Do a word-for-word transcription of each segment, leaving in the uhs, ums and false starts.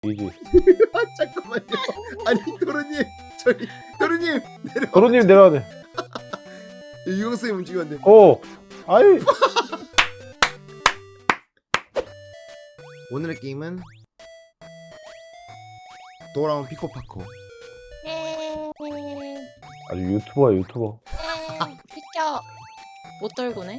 이지. 아 잠깐만요. 아니 도로님 저희 도로님 내려. 도로님 내려야 돼. 유영쌤 움직이면 안 돼. 오. 아이. 오늘의 게임은 돌아온 피코파코. 아주 유튜버야 유튜버. 비켜. 못 떨구네.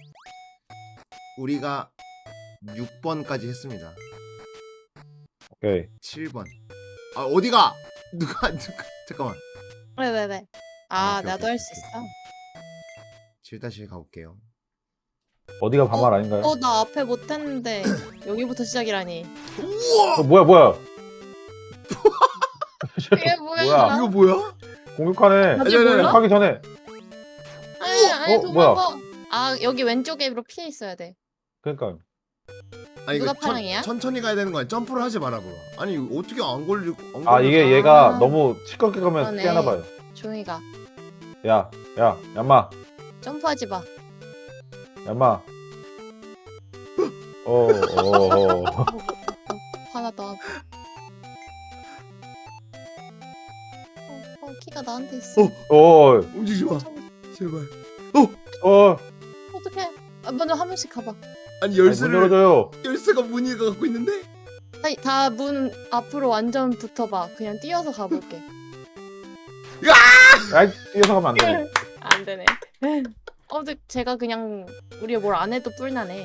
우리가 육 번까지 했습니다. 오케이. 칠 번. 아 어디가? 누가 누가 잠깐만. 왜 왜 왜? 아, 아 오케이, 나도 오케이, 할 수 오케이. 있어. 칠 다시 가볼게요. 어디가 반말 아닌가요? 어 나 앞에 못했는데 여기부터 시작이라니. 우와! 어, 뭐야 뭐야? 이게 뭐야? 뭐야? 이거 뭐야? 공격하네. 아직 아니, 아니, 아니. 몰라? 하기 전에. 아니 아니 어, 뭐야? 도망가. 아 여기 왼쪽으로 피해 있어야 돼. 그러니까. 아니 누가 이거 천, 파랑이야? 천천히 가야 되는 거야. 점프를 하지 마라 bro. 아니 이거 어떻게 안 걸리고 안 아 걸려서- 이게 얘가 아. 너무 시끄럽게 가면 그러네. 깨나 봐요. 조용히 가. 야, 야, 얌마, 점프하지 마. 얌마. 어, 어, 어. 화나다. 어, 어 키가 나한테 있어. 어. 어, 움직이지 마. 제발. 어. 어떡해? 아, 먼저 한 번씩 가봐. 아니 아니, 문 열쇠를 열어줘요. 열쇠가 문이 갖고 있는데? 아니 다 문 앞으로 완전 붙어봐. 그냥 뛰어서 가볼게. 아이, 뛰어서 가면 안 되네. 안 되네. 어, 근데 제가 그냥 우리가 뭘 안 해도 뿔나네.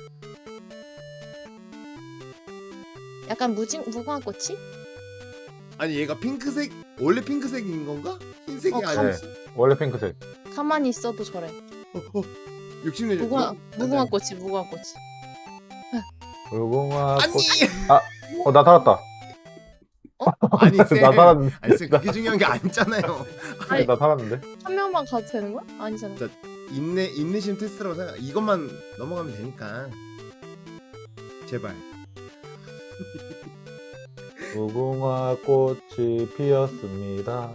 약간 무징 무궁화 꽃이? 아니 얘가 핑크색 원래 핑크색인 건가? 흰색이 어, 아니었어? 원래 핑크색. 가만히 있어도 저래. 어, 어. 욕심내지. 무궁화 어? 무궁화 꽃이 무궁화 꽃이. 무궁화 아니. 꽃. 어, 나 살았다. 아니 쌤. 나 살았는데. 아니 쌤 그게 중요한 게 아니잖아요. 아니, 나 살았는데. 한 명만 가도 되는 거야? 아니잖아. 자, 인내 인내심 테스트라고 생각. 이것만 넘어가면 되니까. 제발. 무궁화 꽃이 피었습니다.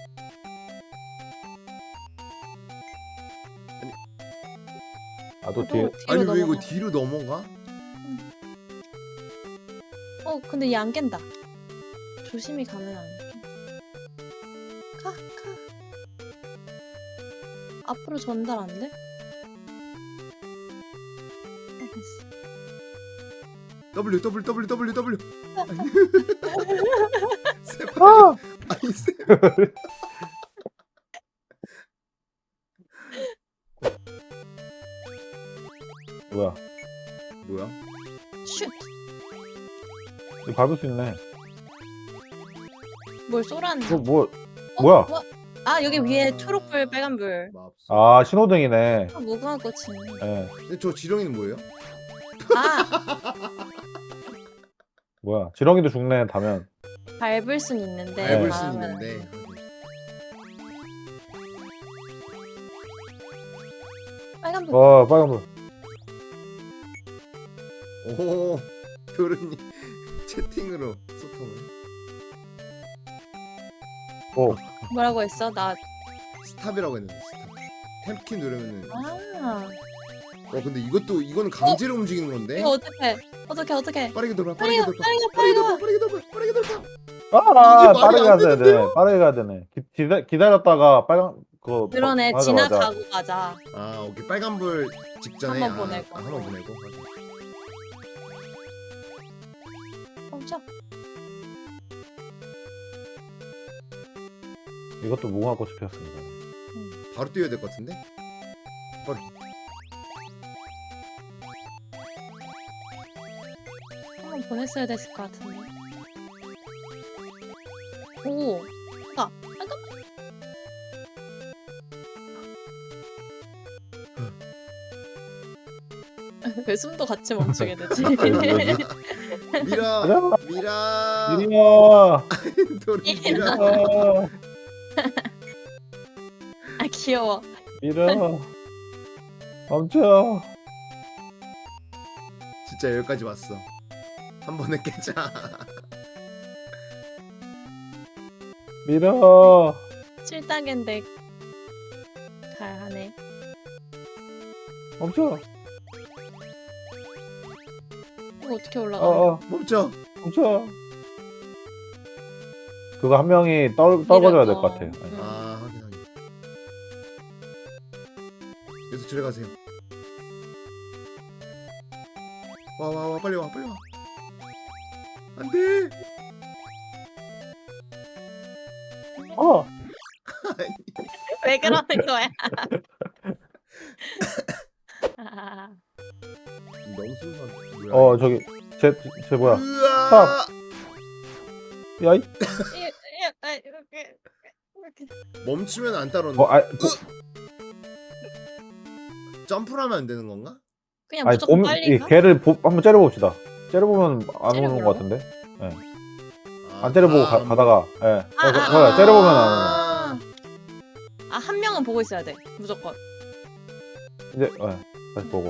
아, 또 뒤에. 어, 뒤로 아니 왜 이거 넘어가. 뒤로 넘어가? 어 근데 얘 안 깬다. 조심히 가면 안 돼. 가 가. 앞으로 전달 안 돼? 어, 됐어. W W W W W. 쌤. 아! 아니 쌤. 뭐야? 뭐야? 슛. 이거 밟을 수 있네. 뭘 쏘라는? 이거 뭐, 어, 뭐야? 아 여기 위에 초록불 빨간불. 맙소. 아, 신호등이네. 아, 무궁화 꽃이네. 예. 근데 저 지렁이는 뭐예요? 아 뭐야? 지렁이도 죽네, 다면. 밟을 순 있는데. 네. 밟을 수 다음은 있는데. 빨간불. 어, 빨간불. 오, 도르님 채팅으로 소통을. 오, 뭐라고 했어? 나. 스탑이라고 했는데 스탑. 탭키 누르면은. 아 어 근데 이것도 이거는 강제로 움직이는 건데. 이거 어떡해? 어떡해 어떡해? 빠르게 돌아. 빨리 빠르게 가 돌아. 빨리 가 빠르게 빨리 돌아. 가. 빠르게 돌아. 빠르게 돌아. 아, 이게 말이 빠르게 안 가야 되네. 되는데요? 빠르게 가야 되네. 기, 기다, 기다렸다가 빨간, 그. 그러네 맞아, 맞아. 지나가고 가자. 아 오케이 빨간불 직전에. 한번 아, 보내고. 아, 한번 보내고. 멈춰. 이것도 무궁화 꽃이 피었습니다. 바로 뛰어야 될 것 같은데. 바로. 한번 보냈어야 됐을 것 같은데. 오. 가. 잠깐만. 왜 숨도 같이 멈추게 되지? 미라. 가자. 미라. 이리야. 도르 미라. 아, 아 귀여워. 밀어. 멈춰. 진짜 여기까지 왔어. 한 번에 깨자. 밀어. 칠단계인데 잘하네. 멈춰. 이거 어떻게 올라가? 어, 어, 멈춰. 멈춰. 그거 한 명이 떨 떨궈줘야 될 것 어. 같아요. 네. 음. 아 확인 확인. 여기서 줄에 가세요. 와 와 와 빨리 와 빨리 와. 안돼. 어. 왜 그러는 거야? 아, 너무 순수한. 뭐야? 어 저기 제 제 뭐야? 으아. 야이. 이- 이- 아, 이렇게 이렇게. 멈추면 안 따라오는. 어, 아, 고, 점프를 하면 안 되는 건가? 그냥 아니 무조건 곰, 빨리 이 가? 개를 보, 한번 째려봅시다. 째려보면 안 오는 째려보라고? 것 같은데. 아, 안 째려보고 아, 가, 가다가, 예. 네. 아, 아, 어, 아. 째려보면 안 오는. 아, 아, 한 명은 보고 있어야 돼. 무조건. 이제 예, 다시 보고.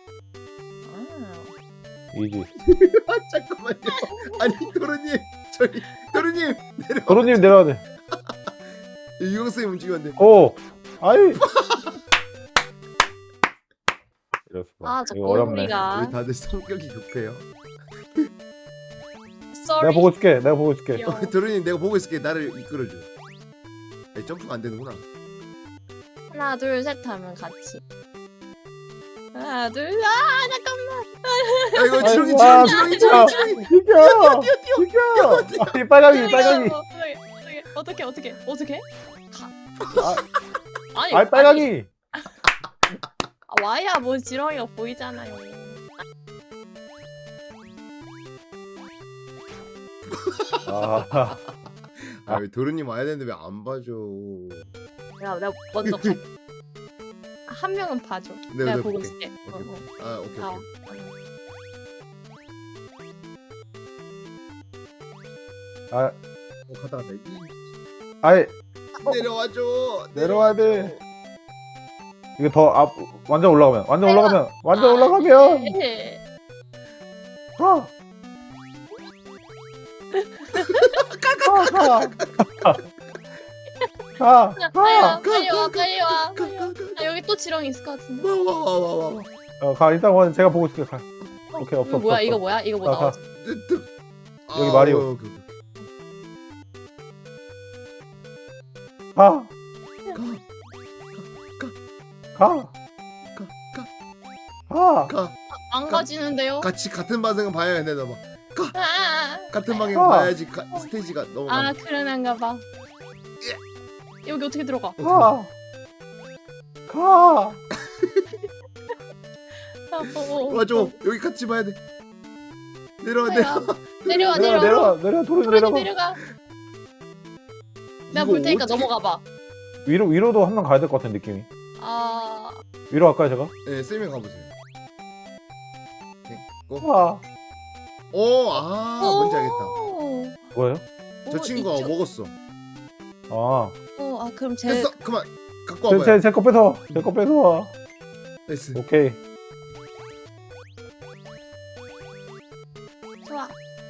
아. 이지. 아 잠깐만요. 아니 도르님 저기 도르님 내려. 도로님 내려야 돼. 유경 쌤 움직이면 안 돼. 오, 아이. 이랬어. 아, 저 이거 어렵네. 꼬리가. 우리 다들 성격이 급해요. Sorry. 내가 보고 있을게. 내가 보고 있을게. 귀여워. 도르님 내가 보고 있을게. 나를 이끌어줘. 아니, 점프가 안 되는구나. 하나, 둘, 셋 하면 같이. 하나, 둘, 아, 잠깐만. 아 이거 지렁이 아이고, 아, 지렁이 지렁이 지렁이 지렁이. 비켜! 비켜! 아니, 빨강이, 빨강이. 어떻게, 어떻게, 어떻게, 어떻게? 아, 아니, 아이, 빨강이. 아, 와야 뭐 지렁이가 보이잖아요. 아, 아왜 도르님 와야 되는데 왜 안 봐줘? 야, 내가 먼저 가. 한 명은 봐줘. 네, 내가 네, 보고 볼게. 있을게. 어, 오케이. 어. 아 오케이 아, 오케이. 아, 어 가다 가다. 이- 아이, 내려와줘. 내려와야 돼. 이거 더 앞, 완전 올라가면, 완전 아이고. 올라가면, 완전 아, 올라가면. 네. 가. 가, 가. 가, 가. 빨리 와, 가, 빨리 와, 가, 빨리 와. 빨리 와. 가가가. 아, 여기 또 지렁이 있을 것 같은데. 와와와와 와. 어, 가, 일단 원 제가 보고 있을게. 가. 어, 오케이, 없어, 이거 뭐야? 없어, 이거 없어. 뭐야? 이거 뭐 가, 가. 나오지? 여기 마리오. 오케이, 오케이. 가, 가, 가, 가. 가. 안 가지는데요? 같이 같은 방향을 봐야 돼, 너 봐. 아, 아, 같은 방향 가. 봐야지 가, 스테이지가 넘어가. 아, 그러는가 봐. 여기 어떻게 들어가? 가. 가. 아, 어, 어, 와줘. 어. 여기 같이 봐야 돼. 내려와 아야. 내려. 내려와, 내려, 내려와. 내려, 내려, 도로 도로님 내려가. 내려가. 내가 이거 볼 테니까 어떻게- 넘어가 봐. 위로, 위로도 한 명 가야 될 것 같은 느낌이. 아, 위로 갈까요, 제가? 네, 쌤이 가보세요. 가. 오, 아, 뭔지 알겠다. 오. 뭐예요? 저 오, 친구가 이쪽- 먹었어. 아, 어, 아 그럼 제 됐어, 그만. 갖고 제, 와봐요. 제, 제거 뺏어. 제 거 뺏어. 됐어. 오케이. 좋아.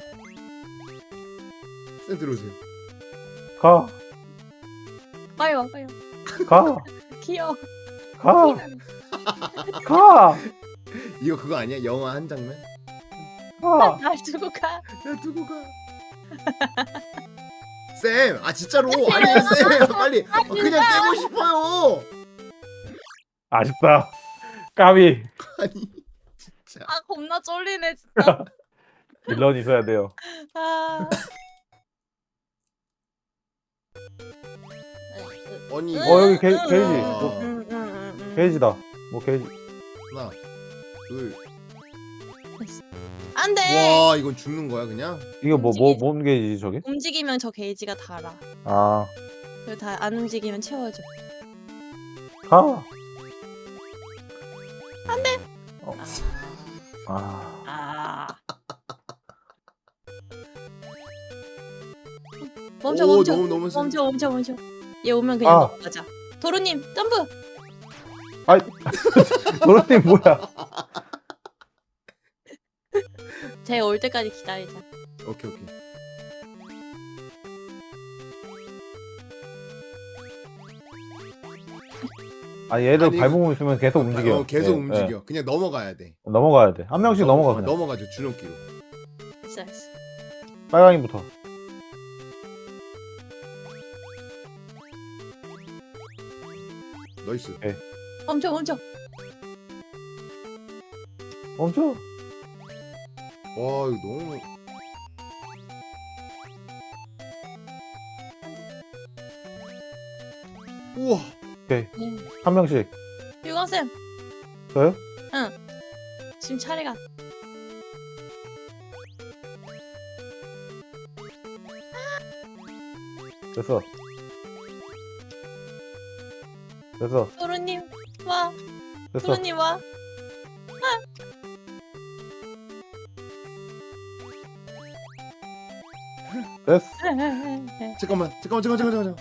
쌤 들어오세요. 가. 빨리 와, 빨리 와. 가. 귀여워. 가. 가. 이거 그거 아니야? 영화 한 장면? 가. 날 두고 가. 나 두고 가. 쌤, 아 진짜로 아니 쌤, 빨리 어, 그냥 깨고 싶어요. 아쉽다. 까비. 아니 진짜. 아 겁나 쫄리네 진짜. 빌런 있어야 돼요. 아. 아니 어, 여기 게, 게이지. 아. 뭐, 음, 음, 음, 음. 게이지다. 뭐 게이지. 하나, 둘. 안 돼. 와, 이건 죽는 거야 그냥? 이거 뭐, 뭐, 움직이지. 뭔 게이지지, 저게? 움직이면 저 게이지가 달아. 아, 그리고 다 안 움직이면 채워줘. 가. 안 돼. 어. 아, 아. 멈춰 오, 멈춰 너무 너무 쌤. 멈춰 멈춰 멈춰. 얘 오면 그냥 아. 넘어가자. 도루님 점프. 아이, 도로님 뭐야? 쟤 올 때까지 기다리자. 오케이 오케이. 아, 얘들 아니, 밟으면 있으면 계속 움직여. 어, 계속 예, 움직여. 그냥 넘어가야 돼. 예. 넘어가야 돼. 한 명씩 넘어가, 그냥. 넘어가죠 주름기로. 됐어 됐어. 빨강이부터. 나이스. 멈춰 멈춰. 멈춰. 와 이거 너무. 우와. 네. 한 명씩. 유광쌤 저요? 지금 차례가. 됐어. 됐어. 도로님 와. 됐어. 도로님 와. 됐어. 잠깐만 잠깐만 잠깐만 잠깐만.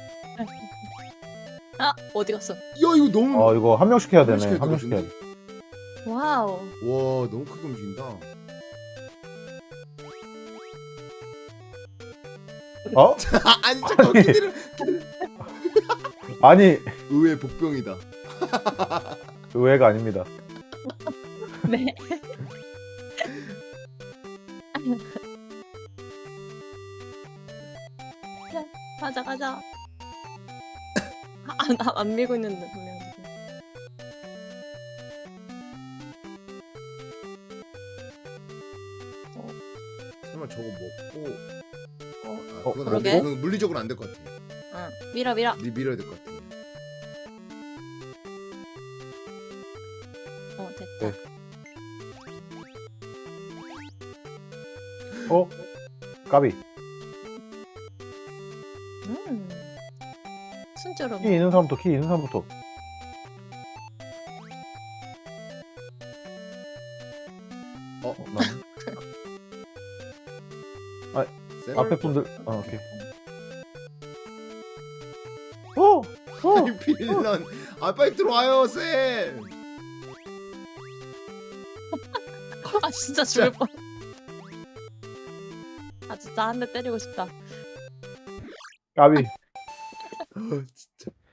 아 어디 갔어? 야 이거 너무. 어 이거 한 명씩 해야 한 명씩 되네. 해야 한 명씩 해야 돼. 되거든요? 와우. 와 너무 크게 움직인다. 어? 아, 아니 잠깐 기다려. 아니 의외의 복병이다. 의외가 아닙니다. 네. 가자 가자. 안, 안, 안 밀고 있는데 분명. 설마 저거 먹고. 어, 아, 어, 그건 안 그러게. 돼. 그건 물리적으로 안 될 것 같아. 응. 밀어 밀어. 미 밀어야 될 것 같아. 어 됐다. 네. 어? 까비. 음. 순조로워. 키 있는 사람부터 키 있는 사람부터. 어? 어, 난 쌤? 앞에 분들. 어 오케이. 어. 어. 아니 빌런. 아 빨리 들어와요 쌤. 아 진짜 죽을 뻔. 아 진짜 한 대 때리고 싶다. 까비. 어, 진짜.